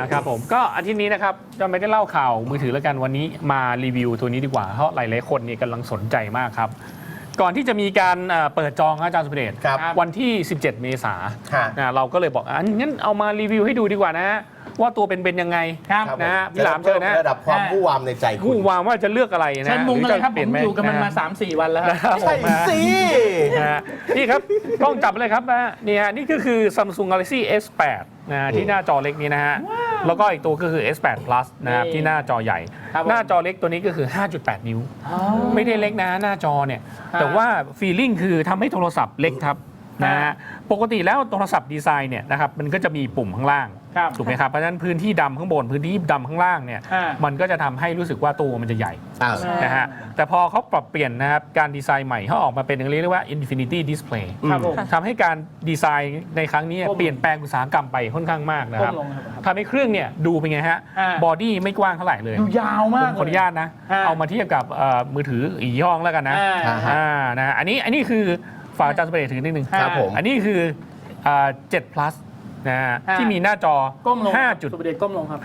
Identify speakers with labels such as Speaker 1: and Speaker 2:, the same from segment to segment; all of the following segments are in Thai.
Speaker 1: ครับผมก็อาทิตย์นี้นะครับจะไม่ได้เล่าข่าวมือถือแล้วกันวันนี้มารีวิวตัวนี้ดีกว่าเพราะหลายๆคนนี่กำลังสนใจมากครับก่อนที่จะมีการเปิดจองอาจารย์สุเดชวันที่ 17 เมษายนเราก็เลยบอกงั้นเอามารีวิวให้ดูดีกว่านะว่าตัวเป็นยังไงนะพี่หลามเชิญนะ
Speaker 2: ระดับความผู้วามในใจคุณ
Speaker 1: ผู้วามว่าจะเลือกอะไรนะ
Speaker 3: เชิญมุงเลยครับผมอยู่กับมันมา 3-4 วันแล้ว
Speaker 2: ใช่สิ
Speaker 1: นี่ครับกล้องจับเลยครับนะนี่ก็คือ Samsung Galaxy S8 นะที่หน้าจอเล็กนี้นะฮะแล้วก็อีกตัวก็คือ S8 Plus นะครับที่หน้าจอใหญ่หน้าจอเล็กตัวนี้ก็คือ 5.8 นิ้วไม่ได้เล็กนะหน้าจอเนี่ยแต่ว่าฟีลลิ่งคือทำให้โทรศัพท์เล็กครับนะฮะปกติแล้วโทรศัพท์ดีไซน์เนี่ยนะครับมันก็จะมีปุ่มข้างล่างถูกไหมครับเพราะฉะนั้นพื้นที่ดำข้างบนพื้นที่ดำข้างล่างเนี่ยมันก็จะทำให้รู้สึกว่าตัวมันจะใหญ่นะฮะแต่พอเขาปรับเปลี่ยนนะครับการดีไซน์ใหม่เขาออกมาเป็นเรียกว่า Infinity Display ทำให้การดีไซน์ในครั้งนี้เปลี่ยนแปลงอุตสาหกรรมไปค่อนข้างมากนะครับทำให้เครื่องเนี่ยดูเป็นไงฮะบอดี้ไม่กว้างเท่าไหร่เลย
Speaker 3: ดูยาวมาก
Speaker 1: ขออนุญาตนะเอามาเทียบกับมือถืออีกยี่ห้อแล้วกันนะอันนี้คือฝากอาจารย์สุเดชถือนิดนึง
Speaker 2: ครับผม
Speaker 1: อันนี้คือ7 plus นะที่มีหน้าจอ
Speaker 3: 5จุดสุเดชก้มลงครับ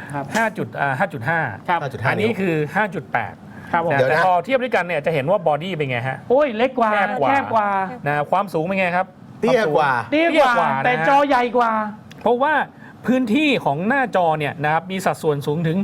Speaker 1: 5.5 อันนี้คือ 5.8
Speaker 3: ครับผม
Speaker 1: แต่พอเทียบด้วยกันเนี่ยจะเห็นว่าบอดี้เป็นไงฮะ
Speaker 3: โอ้ยเล็กกว่าแคบกว่า
Speaker 1: นะความสูงเป็นไงครับ
Speaker 2: เตี้ยกว่า
Speaker 3: แต่จอใหญ่กว่า
Speaker 1: เพราะว่าพื้นที่ของหน้าจอเนี่ยนะครับมีสัดส่วนสูงถึง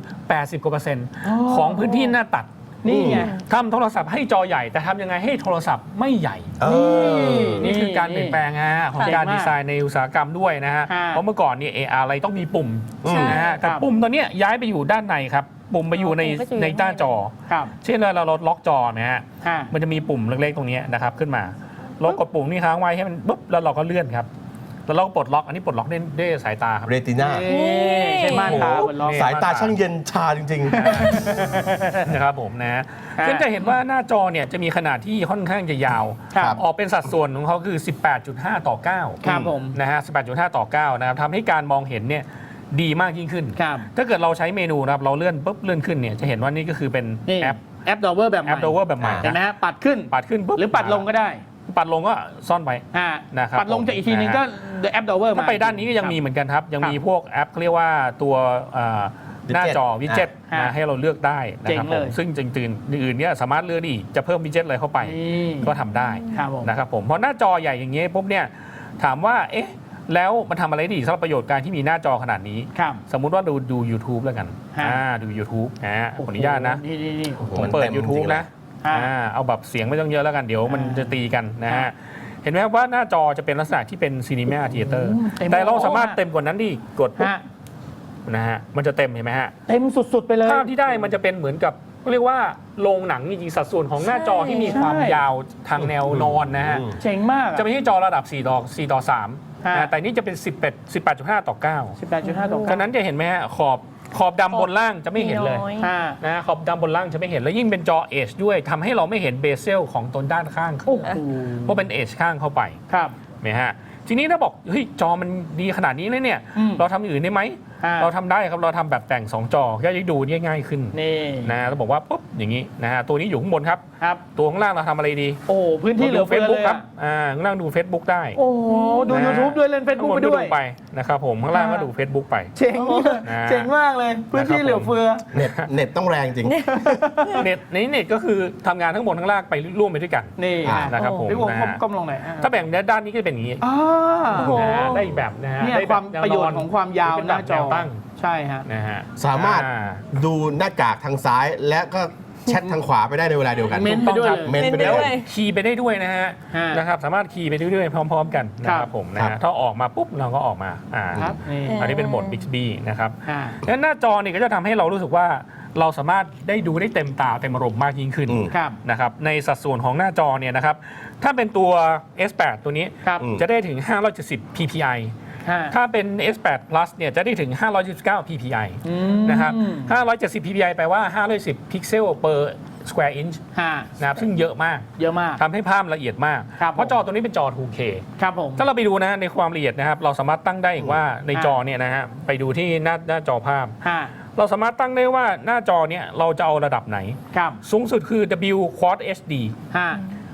Speaker 1: 80% ของพื้นที่หน้าตัด
Speaker 3: นี่ไง
Speaker 1: ทำโทรศัพท์ให้จอใหญ่แต่ทำยังไงให้โทรศัพท์ไม่ใหญ่นี่คือการเปลี่ยนแปลงของการดีไซน์ในอุตสาหกรรมด้วยนะฮะเพราะเมื่อก่อนเนี่ยอะไรต้องมีปุ่มนะฮะแต่ปุ่มตัวนี้ย้ายไปอยู่ด้านในครับปุ่มไปอยู่ในหน้าจอเช่นเราล็อกจอนะฮะมันจะมีปุ่มเล็กๆตรงนี้นะครับขึ้นมาเรากดปุ่มนี่ค้างไว้ให้มันปุ๊บแล้วเราก็เลื่อนครับแล้วเราปลดล็อกอันนี้ปลดล็อกด้วยสายตาครับ
Speaker 2: เรติน่า
Speaker 3: ใช่ม่านตา
Speaker 2: สายตาช่างเย็นชาจริง
Speaker 1: ๆนะครับผมนะซึ่งจะเห็นว่าหน้าจอเนี่ยจะมีขนาดที่ค่อนข้างจะยาวออกเป็นสัดส่วนของเขาคือ 18.5 ต่อ 9
Speaker 3: ครับผม
Speaker 1: นะฮะ 18.5 ต่อ 9นะครับทำให้การมองเห็นเนี่ยดีมากยิ่งขึ้นถ้าเกิดเราใช้เมนูนะครับเราเลื่อนปุ๊บเลื่อนขึ้นเนี่ยจะเห็นว่านี่ก็คือเป็น
Speaker 3: แอปดอเวอร์แบบใหม่เห็นไหมฮะปัดขึ้น
Speaker 1: ปุ๊บ
Speaker 3: หรือปัดลงก็ได้
Speaker 1: ปัดลงก็ซ่อนไป
Speaker 3: นะครับปัดลงจากอีกทีนึงก็แอปดอเวอร์มา
Speaker 1: ไปด้านนี้ก็ยังมีเหมือนกันครับยังมีพวกแอปเขาเรียกว่าตัวหน้าจอวิดเจ็ตให้เราเลือกได้นะครับผมซึ่งจริงๆอื่นเนี่ยสามารถเลือกดีจะเพิ่มวิดเจ็ตอะไรเข้าไปก็ทำได้นะครับผมเพราะหน้าจอใหญ่อย่างเงี้ยปุ๊บเนี่ยถามว่าเอ๊ะแล้วมันทำอะไรดีสำหรับประโยชน์การที่มีหน้าจอขนาดนี้สมมุติว่าดู YouTube แล้วกันดู YouTube ขออนุญาตนะผมเปิด YouTube นะเอาแบบเสียงไม่ต้องเยอะแล้วกันเดี๋ยวมันจะตีกันนะฮะเห็นไหมว่าหน้าจอจะเป็นลักษณะที่เป็นซีนีมาธีเตอร์แต่เราสามารถเต็มกว่านั้นดิกดปุ๊บนะฮะมันจะเต็มเห็นไหมฮะ
Speaker 3: เต็มสุดๆไปเลย
Speaker 1: ภาพที่ได้มันจะเป็นเหมือนกับเรียกว่าโรงหนังจริงๆสัดส่วนของหน้าจอที่มีความยาวทางแนวนอนนะฮะ
Speaker 3: เจ๋งมาก
Speaker 1: จะไม่ใช่จอระดับ4 ต่อ 3แต่นี่จะเป็น 18.5 ต่อ 9
Speaker 3: 18.5 ต่อ 9ฉะ
Speaker 1: นั้นจะเห็นไหมฮะขอบดำบนล่างจะไม่เห็นเลยนะขอบดำบนล่างจะไม่เห็นแล้วยิ่งเป็นจอเอชด้วยทำให้เราไม่เห็นเบเซลของตนด้านข้างเพราะเป็นเอชข้างเข้าไปไหมฮะทีนี้ถ้าบอกเฮ้ยจอมันดีขนาดนี้เลยเนี่ยเราทำอื่นได้ไหมเราทำได้ครับเราทำแบบแต่ง2จอก็จะดูง่ายขึ้นนะเราบอกว่าปุ๊บอย่างนี้นะฮะตัวนี้อยู่ข้างบนครับตัวข้างล่างเราทำอะไรดี
Speaker 3: โอ้พื้นที่เหลือเฟือเลย
Speaker 1: ครับข้างล่างดู Facebook ได้
Speaker 3: โอ้ดู YouTube ด้วยเล่น Facebook ไปด้วย
Speaker 1: ไปนะครับผมข้างล่างก็ดู Facebook ไป
Speaker 3: เจ๋งมากเลยพื้นที่เหลือเฟือ
Speaker 2: เน็ตต้องแรงจริง
Speaker 1: เน็ตก็คือทำงานทั้งบนทั้งล่างไปร่วมไปด้วยกัน
Speaker 3: นี่
Speaker 1: นะครับผม
Speaker 3: ก้มลงหน่อย
Speaker 1: ถ้าแบ่งด้านนี้ก็จะเป็นอย่างนี้ได้แบบนะฮะ
Speaker 3: ได้ความประโยชน์ของความยาวหน้าจอตั้งใช่ฮะ
Speaker 1: นะฮะ
Speaker 2: สามารถดูหน้ากากทางซ้ายและก็แชททางขวาไปได้ในเวลาเดียวกัน
Speaker 3: เมนไปด้วย
Speaker 1: คีย์ไปได้ด้วยนะฮะนะครับสามารถคีย์ไปได้ด้วยพร้อมๆกันนะครับผมนะฮะถ้าออกมาปุ๊บเราก็ออกมาอันนี้เป็นโหมด Bixby นะครับแล้วหน้าจอนี่ก็จะทำให้เรารู้สึกว่าเราสามารถได้ดูได้เต็มตาเต็มอารมณ์มากยิ่งขึ้นนะครับในสัดส่วนของหน้าจอเนี่ยนะครับถ้าเป็นตัว S8 ตัวนี้จะได้ถึง570 ppiถ้าเป็น S8 Plus เนี่ยจะได้ถึง529 ppi นะครับ570 ppi แปลว่า510 พิกเซล per square inch นะครับซึ่งเยอะมากทำให้ภาพละเอียดมากเพราะจอตัวนี้เป็นจอ 2K ถ้าเราไปดูนะในความละเอียดนะครับเราสามารถตั้งได้อีกว่าในจอเนี่ยนะฮะไปดูที่หน้าจอภาพเราสามารถตั้งได้ว่าหน้าจอเนี่ยเราจะเอาระดับไหนสูงสุดคือ W Quad HD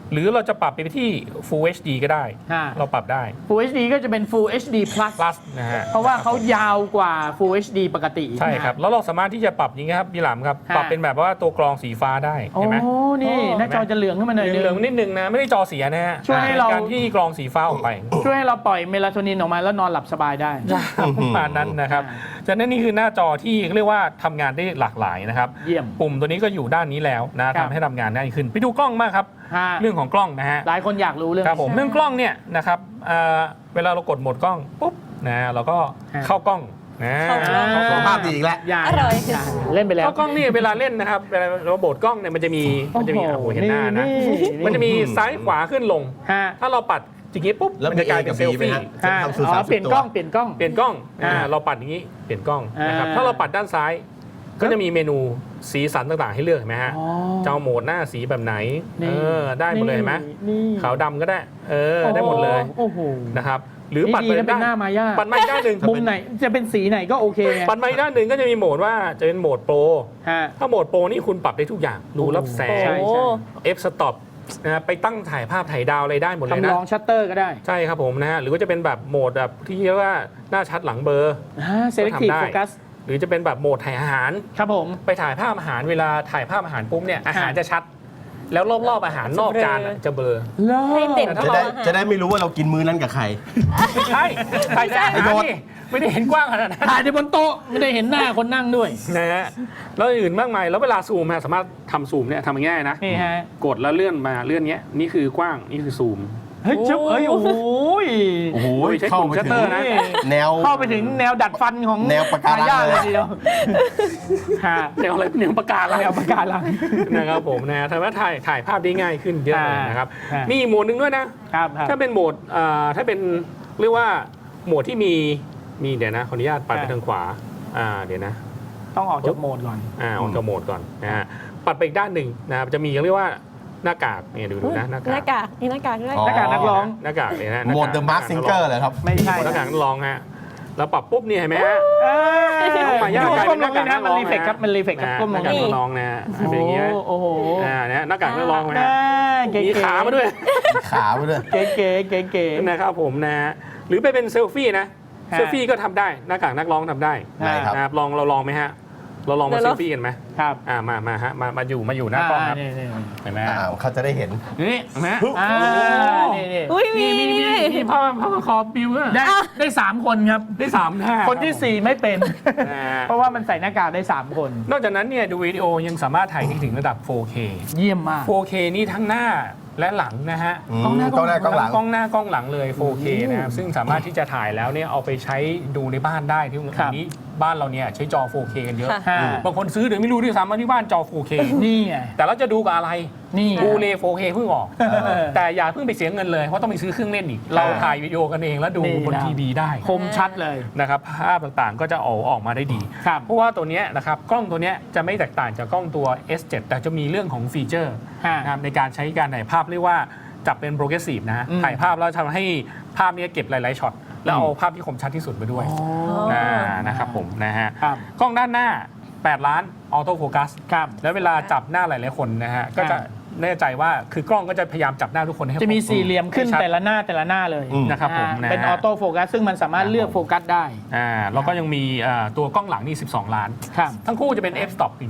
Speaker 1: หรือเราจะปรับไปที่ Full HD ก็ได้ เราปรับได้
Speaker 3: Full HD ก็จะเป็น Full HD Plus
Speaker 1: Plus นะฮะ
Speaker 3: เพราะว่าเขายาวกว่า Full HD ปกติ
Speaker 1: ใช่ครับ แล้วเราสามารถที่จะปรับอย่างเงี้ยครับพี่หลามครับ ปรับเป็นแบบว่าตัวกรองสีฟ้าได้
Speaker 3: โอ้
Speaker 1: เห็นไหม
Speaker 3: นี่หน้าจอจะเหลืองขึ้นมาหน่อยนึง
Speaker 1: เหลืองๆนิดนึงนะ ไม่ได้จอเสียนะฮะ
Speaker 3: ช่วยให้เรา
Speaker 1: ป็นการที่กรองสีฟ้าออกไป
Speaker 3: ช่วยให้เราปล่อยเมลาโทนินออกมาแล้วนอนหลับสบายได้
Speaker 1: ประมาณนั้นนะครับฉะนั้นนี่คือหน้าจอที่เรียกว่าทำงานได้หลากหลายนะครับ
Speaker 3: เยี่ยม
Speaker 1: ปุ่มตัวนี้ก็อยู่ด้านนี้แล้วนะ
Speaker 3: ครับ
Speaker 1: ทำให้ทำงานได้ขึ้น ไปดูกล้องมากครับ เรื่องของกล้องนะฮะ
Speaker 3: หลายคนอยากรู้เรื่อง
Speaker 1: ครับผม
Speaker 3: นี้
Speaker 1: เรื่องกล้องเนี่ยนะครับเวลาเรากดโหมดกล้องปุ๊บนะเราก็เข้ากล้องนะ
Speaker 4: เข้ากล้อง
Speaker 2: สุขภาพดีอีกแล้ว
Speaker 3: อย่า
Speaker 4: อร่อย
Speaker 3: าเล่นไปแล้ว
Speaker 1: เข้ากล้องนี่เวลาเล่นนะครับเวลาเราโหมดกล้องเนี่ยมันจะมีโอ้โหเห็นหน้านะมันจะมีซ้ายขวาขึ้นลง
Speaker 3: ฮะ
Speaker 1: ถ้าเราปัดอย่างงี้ปุ๊บ
Speaker 2: แล้ว
Speaker 1: มันจะกลายเป็นเซล
Speaker 2: มี A กับ B
Speaker 1: ฟี่
Speaker 2: ไหมฮะ
Speaker 3: ฮะ
Speaker 2: ทำสูตร
Speaker 3: อ๋อ
Speaker 2: 30
Speaker 3: เปลี่ยนกล้องเปลี่ยนกล้อง
Speaker 1: เปลี่ยนกล้อง
Speaker 3: อ่า
Speaker 1: เราปัดอย่างนี้เปลี่ยนกล้องนะครับ
Speaker 3: อ่า
Speaker 1: ถ้าเราปัดด้านซ้าย ก็จะมีเมนูสีสันต่างๆให้เลือกเห็นไหมฮะ
Speaker 3: อ๋อ
Speaker 1: จะเอาโหมดหน้าสีแบบไหน
Speaker 3: นี่
Speaker 1: ได้หมดเลยเห็นไหม
Speaker 3: นี่
Speaker 1: ขาวดำก็ได้ได้หมดเลย
Speaker 3: โอ้โห
Speaker 1: นะครับหรือปัด
Speaker 3: ดี
Speaker 1: ไป
Speaker 3: นะเป็นหน้ามายา
Speaker 1: ปัดมาอีกด้านหนึ่ง
Speaker 3: มุมไหนจะเป็นสีไหนก็โอเคไง
Speaker 1: ปัดมาอีกด้านหนึ่งก็จะมีโหมดว่าจะเป็นโหมดโปร
Speaker 3: ฮะ
Speaker 1: ถ้าโหมดโปรนี่คุณปรับได้ทุกอย่างดูรับแส
Speaker 3: ใช่
Speaker 1: ง
Speaker 3: ใช่
Speaker 1: F stop นะไปตั้งถ่ายภาพถ่ายดาวอะไรได้หมดเลย
Speaker 3: ทำ
Speaker 1: นะ
Speaker 3: ลองชัตเตอร์ก็ได้
Speaker 1: ใช่ครับผมนะฮะหรือว่าจะเป็นแบบโหมดแบบที่เรียกว่าหน้าชัดหลังเบลอ
Speaker 3: selective
Speaker 1: ก็ทำได้
Speaker 3: focus
Speaker 1: หรือจะเป็นแบบโหมดถ่ายอาหาร
Speaker 3: ครับผม
Speaker 1: ไปถ่ายภาพอาหารเวลาถ่ายภาพอาหารปุ๊บเนี่ยอาหารจะชัด แล้วรอบๆอาหารนอกจานอะจะเบลอ
Speaker 4: ให้เด่น
Speaker 1: แต่ถ้า
Speaker 2: จะได้ไม่รู้ว่าเรากินมื้อนั้นกับใคร
Speaker 1: ไม่ใช่ถ่ายจากอาหารนี่ไม่ได้เห็นกว้างขนาดนั้น
Speaker 3: ถ่ายในบนโต๊ะไม่ได้เห็นหน้าคนนั่งด้วย
Speaker 1: นะฮะแล้วอื่นมากมายแล้วเวลาซูมฮะสามารถทำซูมเนี่ยทำง่ายๆนะ
Speaker 3: นี่ฮะ
Speaker 1: กดแล้วเลื่อนมาเลื่อนเนี้ยนี่คือกว้างนี่คือซูม
Speaker 3: เฮ้ยชึบเฮ้ยโอ้โห
Speaker 2: โอ้โห
Speaker 1: ใช้
Speaker 2: เข้า
Speaker 1: ปุ่ม
Speaker 2: ไป
Speaker 1: ชัต
Speaker 2: ถึ
Speaker 1: เต
Speaker 2: ง
Speaker 1: อร์นะ
Speaker 2: แนว
Speaker 3: เข้าไปถึงแนวดัดฟันของ
Speaker 2: แนวปะการัง
Speaker 3: ทยทเลยทีเดียวฮะ
Speaker 1: แนวอะไรแนวประกาศ
Speaker 3: แนวปะการัง
Speaker 1: นะครับผมนะทำให้ถ่ายภาพได้ง่ายขึ้นเยอะเลยนะครับ
Speaker 3: อ่ามี
Speaker 1: มีอีกโหมดหนึ่งด้วยนะครับ
Speaker 3: ครับ
Speaker 1: ถ้าเป็นโหมดถ้าเป็นเรียกว่าโหมดที่มีเดี๋ยวนะขออนุญาตปัดไปทางขวาเดี๋ยวนะ
Speaker 3: ต้องออกจากโหมดก่อน
Speaker 1: ออกจากโหมดก่อนนะฮะปัดไปอีกด้านหนึ่งนะครับจะมีเรียกว่าหน้ากากเนี่ยดูนะหน้า
Speaker 4: หน้าก
Speaker 1: าก
Speaker 4: ากมีหน้ากากด้วย
Speaker 2: อ๋อ
Speaker 3: หน้ากากนักร้อง
Speaker 1: หน้ากากเลยนะ
Speaker 2: โหมด The Mask Singer เหรอครับ
Speaker 3: ไม่ใช่
Speaker 1: หน้ากากนักร้องฮะแล้วปรับปุ๊บเนี่ยเห็นไหมฮะ
Speaker 3: น้อง
Speaker 1: มายากลาย
Speaker 3: ก้
Speaker 1: เป็
Speaker 3: ม
Speaker 1: นห
Speaker 3: ล
Speaker 1: น้าง กาก
Speaker 3: นี่
Speaker 1: นั
Speaker 3: นะ
Speaker 1: ก
Speaker 3: มั
Speaker 1: ร้
Speaker 3: น
Speaker 1: อง
Speaker 3: รีเฟกครับมันรีเฟกครับก้ม
Speaker 1: ห
Speaker 3: ล
Speaker 1: น้าง กากนักร้องนะฮะเป็นอย่างเงี้ย
Speaker 3: โอ้โห
Speaker 1: เนี่ยหน้ากากนักร้องนะ
Speaker 3: เก๋
Speaker 1: มีขามาด้วย
Speaker 2: ขาไปเลย
Speaker 3: เก๋เก๋เก๋เก๋
Speaker 1: นะครับผมนะฮะหรือไปเป็นเซลฟี่นะ
Speaker 3: ฮะ
Speaker 1: เซลฟี่ก็ทำได้หน้ากากนักร้องทำได้
Speaker 2: ไหนครับ
Speaker 1: นะครับเราลองไหมฮะเราลองมาเซลฟี่กันไหม
Speaker 3: ครับ
Speaker 1: มาฮะมาอยู่หน้ากล้องครับ
Speaker 3: นี่
Speaker 1: เห็นไหมฮะ
Speaker 2: เขาจะได้เห็น
Speaker 1: นี่เห็นไหม
Speaker 3: นี่
Speaker 4: อุ้ยมี
Speaker 1: มีผ้าคอปิวอะ
Speaker 3: ได้3 คนครับ
Speaker 1: ได้3 ท่า
Speaker 3: คนที่ 4 ไม่เป็น
Speaker 1: นะฮะ
Speaker 3: เพราะว่ามันใส่หน้ากากได้ 3 คน
Speaker 1: นอกจากนั้นเนี่ยดูวิดีโอยังสามารถถ่ายได้ถึงระดับ 4K
Speaker 3: เยี่ยมมาก
Speaker 1: 4K นี่ทั้งหน้าและหลังนะฮะ
Speaker 3: กล้องหน้ากล้องหลัง
Speaker 2: กล้องหลัง
Speaker 1: กล้องหน้ากล้องหลังเลย 4K นะครับซึ่งสามารถที่จะถ่ายแล้วเนี่ยเอาไปใช้ดูในบ้านได้ที่วันนี้บ้านเราเนี่ยใช้จอ 4K กันเยอะ
Speaker 4: ค่ะ
Speaker 1: บางคนซื้อหรือไม่รู้ด้วยซ้ำว่าที่บ้านจอ 4K
Speaker 3: นี่ไง
Speaker 1: แต่เราจะดูกับอะไร
Speaker 3: นี่
Speaker 1: บูเล 4K เพิ่งออก แต่อย่าเพิ่งไปเสียเงินเลยเพราะต้องไปซื้อเครื่องเล่นอีก เราถ่ายวิดีโอกันเองแล้วดูบนทีวีได้
Speaker 3: คมชัดเลย
Speaker 1: นะครับภาพต่างๆก็จะออกมาได้ดี
Speaker 3: ครับ
Speaker 1: เพราะว่าตัวเนี้ยนะครับกล้องตัวเนี้ยจะไม่แตกต่างจากกล้องตัว S7 แต่จะมีเรื่องของฟีเจอร์
Speaker 3: ฮะ
Speaker 1: นะครับในการใช้การถ่ายภาพเรียกว่าจับเป็นโปรเกรสซีฟนะฮะ
Speaker 3: อืม
Speaker 1: ถ่ายภาพแล้วทำให้ภาพเนี้ยเก็บหลายๆช็อตแล้วเอาภาพที่คมชัดที่สุดไปด้วยนะครับผมนะฮะ
Speaker 3: ครับ
Speaker 1: กล้องด้านหน้า 8 ล้านออโต้โฟกัส
Speaker 3: ครับ
Speaker 1: แล้วเวลาจับหน้าหลายๆคนนะฮะก็จะแน่ใจว่าคือกล้องก็จะพยายามจับหน้าทุกคนให้
Speaker 3: จะมี
Speaker 1: ครบ
Speaker 3: สี่เหลี่ยมขึ้น
Speaker 1: ให้ชัด
Speaker 3: แต่ละหน้าเลย
Speaker 1: นะครับผมนะฮะ
Speaker 3: เป็นออโต้โฟกัสซึ่งมันสามารถเลือกโฟกัสได้
Speaker 1: แล้วก็ยังมีตัวกล้องหลังนี่ 12 ล้าน
Speaker 3: ครับ
Speaker 1: ทั้งคู่จะเป็น f stop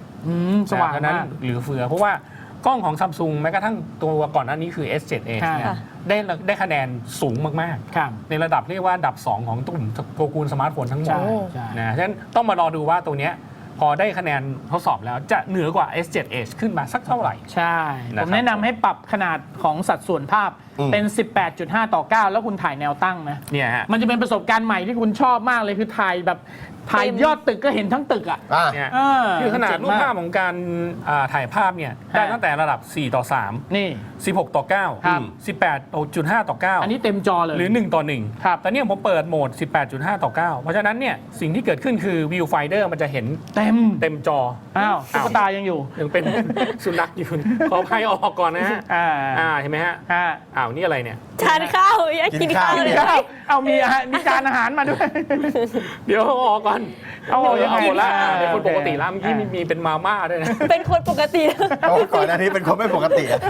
Speaker 1: 1.7
Speaker 3: สว่าง
Speaker 1: เพระฉะนั้น
Speaker 3: มาก
Speaker 1: เหลือเฟือ เพราะว่ากล้องของซัมซุงแม้กระทั่งตัวก่อนหน้านี้คือ S7 Edge เนี่ย
Speaker 3: ค่ะ
Speaker 1: ได้คะแนนสูงมาก
Speaker 3: ครับ
Speaker 1: ๆ ในระดับเรียกว่าอันดับ 2 ของตุ่มตระกูลสมาร์ทโฟนทั้งหมด
Speaker 3: ใช่ใช่
Speaker 1: นะฉะนั้นต้องมารอดูว่าตัวเนี้ยพอได้คะแนนทดสอบแล้วจะเหนือกว่า S7 Edge ขึ้นมาสักเท่าไหร่
Speaker 3: ใช่
Speaker 1: นะค
Speaker 3: ผ
Speaker 1: รับ
Speaker 3: มแนะนำให้ปรับขนาดของสัดส่วนภาพเป็น 18.5 ต่อ 9 แล้วคุณถ่ายแนวตั้งนะ
Speaker 1: เนี่ยฮะ
Speaker 3: มันจะเป็นประสบการณ์ใหม่ที่คุณชอบมากเลยคือถ่ายแบบถ่ายยอดตึกก็เห็นทั้งตึกอ่ะ
Speaker 1: เนี่ย
Speaker 3: เออ
Speaker 1: คือขนาด
Speaker 3: เจ๋ง
Speaker 1: รูป
Speaker 3: มาก
Speaker 1: ภาพของการถ่ายภาพเนี่ยได้ตั้งแต่ระดับ 4 ต่อ 3
Speaker 3: นี่
Speaker 1: 16 ต่อ
Speaker 3: ครับ
Speaker 1: 9 18.5 ต่อ 9
Speaker 3: อันนี้เต็มจอเลย
Speaker 1: หรือ 1 ต่อ 1
Speaker 3: ครับ
Speaker 1: แต่เนี่ยผมเปิดโหมด 18.5 ต่อ 9 เพราะฉะนั้นเนี่ยสิ่งที่เกิดขึ้นคือ Viewfinder มันจะเห็น
Speaker 3: เต็ม
Speaker 1: จอ
Speaker 3: อ้าวตุ๊กตายังอยู่
Speaker 1: ยังเป็น สุนัขอยู่ ขออภัยออกก่อนนะฮะ
Speaker 3: อ่า
Speaker 1: เห็นไหมฮะ
Speaker 3: อ่า
Speaker 1: าวนี่อะไรเนี่ย
Speaker 4: ทานข้าวอยากกินข้าว
Speaker 2: กิน
Speaker 4: เลย
Speaker 2: ข้าว
Speaker 3: เอามีจานอาหารมาด้วย
Speaker 1: เดี๋ยวเอาออกก่อน
Speaker 3: เอาออกยังไง
Speaker 1: หมดละ
Speaker 3: อ่า
Speaker 1: เดี๋ยวคน
Speaker 3: โอเค
Speaker 1: ปกติแล้วเมื่อกี้มีเป็นมาม่าด้วยนะ
Speaker 4: เป็นคนปกติ
Speaker 2: เพราะว่าก่อนหน้านี้เป็นคนไม่ปกติอะ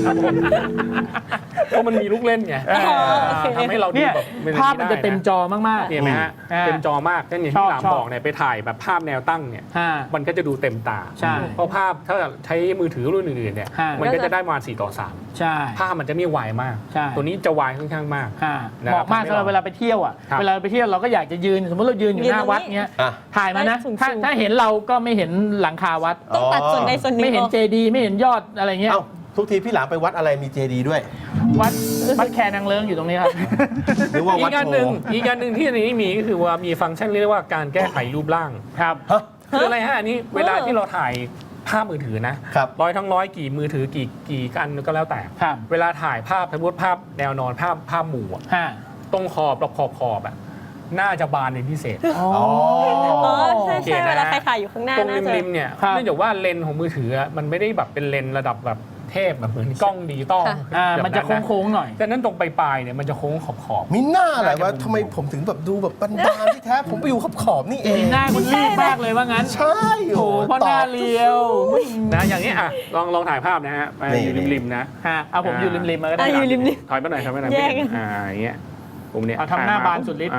Speaker 1: เพราะมันมีลูกเล่นไง
Speaker 4: อ๋อโอเค
Speaker 1: ทำให้เราดู
Speaker 3: เนี่ย
Speaker 1: แบบเป็
Speaker 3: ภาพมันจะเต็มจอมาก
Speaker 1: เห็นไหมฮะ
Speaker 3: อ่า
Speaker 1: เต็มจอมากนั่นอย่าง
Speaker 3: ชอ
Speaker 1: ที่
Speaker 3: บ
Speaker 1: หลาม
Speaker 3: ชอบ
Speaker 1: บอกเนี่ยไปถ่ายแบบภาพแนวตั้งเนี่ย
Speaker 3: ๆฮ่า
Speaker 1: มันก็จะดูเต็มตา
Speaker 3: ใช่
Speaker 1: เพราะภาพถ้าใช้มือถือรุ่นอื่นๆเนี่ย
Speaker 3: ฮะ
Speaker 1: มันก็จะได้ประมาณ4:3
Speaker 3: ใช่
Speaker 1: ภาพมันจะไม่ไวมาก
Speaker 3: ใช่
Speaker 1: ตัวนี้จะไวค่อนข้างมาก
Speaker 3: ฮ่า
Speaker 1: นะ
Speaker 3: เห
Speaker 1: ครับ
Speaker 3: มาะมากสำหรับเวลาไปเที่ยวอ่ะ
Speaker 1: ครับ
Speaker 3: เวลาไปเที่ยวเราก็อยากจะยืนสมมติเรายืนอยู่หน้าวัดเงี้ย
Speaker 2: อ่ะ
Speaker 3: ถ่ายมานะ
Speaker 4: สูงๆ
Speaker 3: ถ้าเห็นเราก็ไม่เห็นหลังคาวัด
Speaker 4: ต้องตัดส่วนใดส่วนหนึ่ง
Speaker 3: ไม่เห็น
Speaker 4: ออก
Speaker 3: เจดีย์ไม่เห็นยอดอะไรเงี้ย
Speaker 2: เอ้าทุกทีพี่หลามไปวัดอะไรมีเจดีด้วย
Speaker 3: วัดแคนางเลิ้งอยู่ตรงนี้ครับ
Speaker 2: หรือว่า
Speaker 1: อี
Speaker 2: วัด
Speaker 1: กอัน
Speaker 2: โพ
Speaker 1: หนึ่งอีกอันหนึ่งที่อันนี้มีก็คือว่ามีฟังก์ชันเรียกว่าการแก้ไขรูปร่าง
Speaker 3: ครับ
Speaker 2: ฮะ
Speaker 1: คืออะไรฮะอันนี้เวลาที่เราถ่ายภาพมือถือนะครับร้อยทั้งร้อยกี่มือถือกี่กันก็แล้วแต่
Speaker 3: ครับ
Speaker 1: เวลาถ่ายภาพสมมติภาพแนวนอนภาพหมู่อะ
Speaker 3: ฮ่า
Speaker 1: ตรงขอบอะน่าจะบานเป็นพิเศษ
Speaker 3: อ๋อ
Speaker 4: อ๋อใช่
Speaker 1: โอเค
Speaker 4: ใช่
Speaker 1: นะ
Speaker 4: เวลาใครถ่ายอยู่ข้างหน้า
Speaker 1: ตรง
Speaker 4: น่าจะ
Speaker 1: ริมๆเนี่ย
Speaker 3: ครับ
Speaker 1: เนื่องจากว่าเลนส์ของมือถืออะมันไม่ได้แบบเป็นเลนส์ระดับแบบเทพแบบเหมือนกล้องดิจิตอล
Speaker 3: มันจะโค้งๆหน่อย
Speaker 1: แต่นั้นตรงปลายๆเนี่ยมันจะโค้งขอบ
Speaker 2: มีหน้าอะไรวะ
Speaker 1: น่าจะ
Speaker 2: ทำไมผมถึงแบบดูแบบบานๆที่แท้ผมไปอยู่ขอบๆนี่เอง
Speaker 3: หน้าคุณรีบมากเลยว่างั้น
Speaker 2: ใช่
Speaker 3: โอ้โหเพราะหน้าเรียว
Speaker 1: ๆนะอย่างนี้อ่ะลองถ่ายภาพนะฮะไปอยู่ริมๆนะ
Speaker 3: ฮะเอาผมอยู่ริมๆมาก็ได้
Speaker 4: อยู่ริม
Speaker 1: ถอยไปหน่อย
Speaker 4: แยก
Speaker 1: อย่างเงี้ยผมเนี่ย
Speaker 3: เอาทำหน้าบานสุดฤทธิ์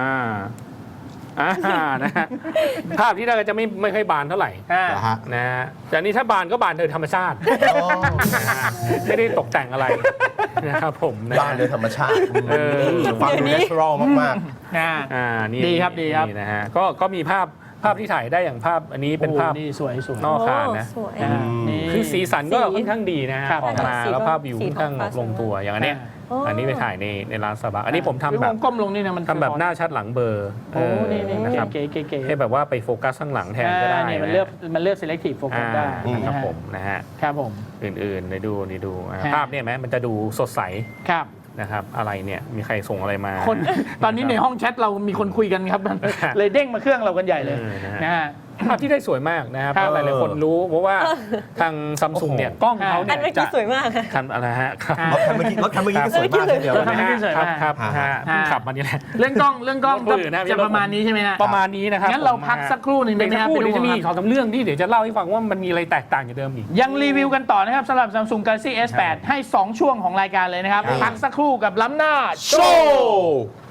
Speaker 1: นะฮะภาพที่ได้ก็จะไม่ค่อยบานเท่าไหร่
Speaker 3: อ่า
Speaker 2: เหรอฮะ
Speaker 1: นะฮะแต่อันนี้ถ้าบานก็บานโดยธรรมชาติ
Speaker 2: อ๋อ
Speaker 1: นะฮะไม่ได้ตกแต่งอะไรนะครับผมนะ
Speaker 2: บ้านโดยธรรมชาติ ฟังดู
Speaker 4: เดี๋ยวนี้
Speaker 2: เนเชอรัลมาก
Speaker 3: อ่า
Speaker 1: นี่
Speaker 3: ดีครับดีครับ
Speaker 1: นี่นะฮะก็มีภาพที่ถ่ายได้อย่างภาพอันนี้เป็นภาพ
Speaker 3: โอ้นี่สวยสวย
Speaker 1: นอกอาคารนะ
Speaker 4: โอ้สวย
Speaker 3: อ่านี่
Speaker 1: คือสีสันก็
Speaker 4: สี
Speaker 1: ค่อนข้างดีนะฮะ
Speaker 3: ครับ
Speaker 1: ออกมา
Speaker 4: สี
Speaker 1: แล้ว
Speaker 4: ก็
Speaker 1: ภาพวิว
Speaker 4: สี
Speaker 1: ค่อนข้าง
Speaker 4: ท้องฟ้า
Speaker 1: ลงตัวอย่างอันเนี้ย
Speaker 4: อ๋ออั
Speaker 1: อันนี้ไปถ่ายในร้านสบายอันนี้ผมทำ
Speaker 3: พี่
Speaker 1: แบ
Speaker 3: ว
Speaker 1: บ
Speaker 3: งก้มลงนี่นะมัน
Speaker 1: ทำแบบหน้าชัดหลังเบลอร์
Speaker 3: โอ้นี่นี่
Speaker 1: นะครับ
Speaker 3: เก๋ๆ
Speaker 1: ให้แบบว่าไปโฟกัสข้างหลังแทนก็ได้
Speaker 3: นี่มัน
Speaker 1: นะ
Speaker 3: เลือก selective focus ได้
Speaker 1: ครับ
Speaker 3: นะฮะ
Speaker 1: ผมนะฮะ
Speaker 3: ครับผม
Speaker 1: อื่นๆนี่ดู
Speaker 3: ฮะ
Speaker 1: ภาพเนี่ยไหมมันจะดูสดใส
Speaker 3: ครับ
Speaker 1: นะครับอะไรเนี่ยมีใครส่งอะไรมา
Speaker 3: คนตอนนี้ในห้องแชทเรามีคนคุยกันครับ เลยเด้งมาเครื่องเรากันใหญ่เลย
Speaker 1: นะฮะ
Speaker 3: นะฮะ
Speaker 1: ภาพที่ได้สวยมากนะครับ
Speaker 3: ครับ
Speaker 1: เพราะหลายๆคนรู้เพราะว่าทางซัมซุงเนี่ยกล้องเขา
Speaker 4: อั
Speaker 1: เนี่
Speaker 4: น
Speaker 1: ย
Speaker 4: เมื่อ
Speaker 1: จะ
Speaker 4: กี้สวยมากค่ะ
Speaker 1: คันอะไรฮะครับ
Speaker 3: อ่า
Speaker 2: ๆรถคันเมื่อกี้ก็สวยมากเช่นเดียวกัน
Speaker 3: รถคันเมื่อกี้
Speaker 2: นะ
Speaker 3: สวย
Speaker 1: ค
Speaker 3: มา
Speaker 1: รั
Speaker 3: ก
Speaker 1: บครับ
Speaker 2: อ่า
Speaker 1: ฮะเพิ่งขับมานี่แหละ
Speaker 3: เรื่องกล้อง
Speaker 1: รถคนอื่นนะ
Speaker 3: จะประมาณนี้ใช่ไหมฮะ
Speaker 1: ประมาณนี้นะครับ
Speaker 3: งั้นเรา
Speaker 1: ผม
Speaker 3: พักสักครู่หนึ่ง
Speaker 1: เดี๋
Speaker 3: ได้
Speaker 1: ยว
Speaker 3: ไหม
Speaker 1: สัก
Speaker 3: ครับ
Speaker 1: ครู่เดี๋ยวจะมี
Speaker 3: พี่
Speaker 1: สองสามเรื่องที่เดี๋ยวจะเล่าให้ฟังว่ามันมีอะไรแตกต่างจากเดิมอีก
Speaker 3: ยังรีวิวกันต่อนะครับสำหรับ Samsung Galaxy S8 ให้ 2 ช่วงของรายการเลยนะครับ
Speaker 1: ครับ
Speaker 3: พักสักครู่กับล้ำหน้าโช
Speaker 2: โช
Speaker 3: ว์
Speaker 2: ว์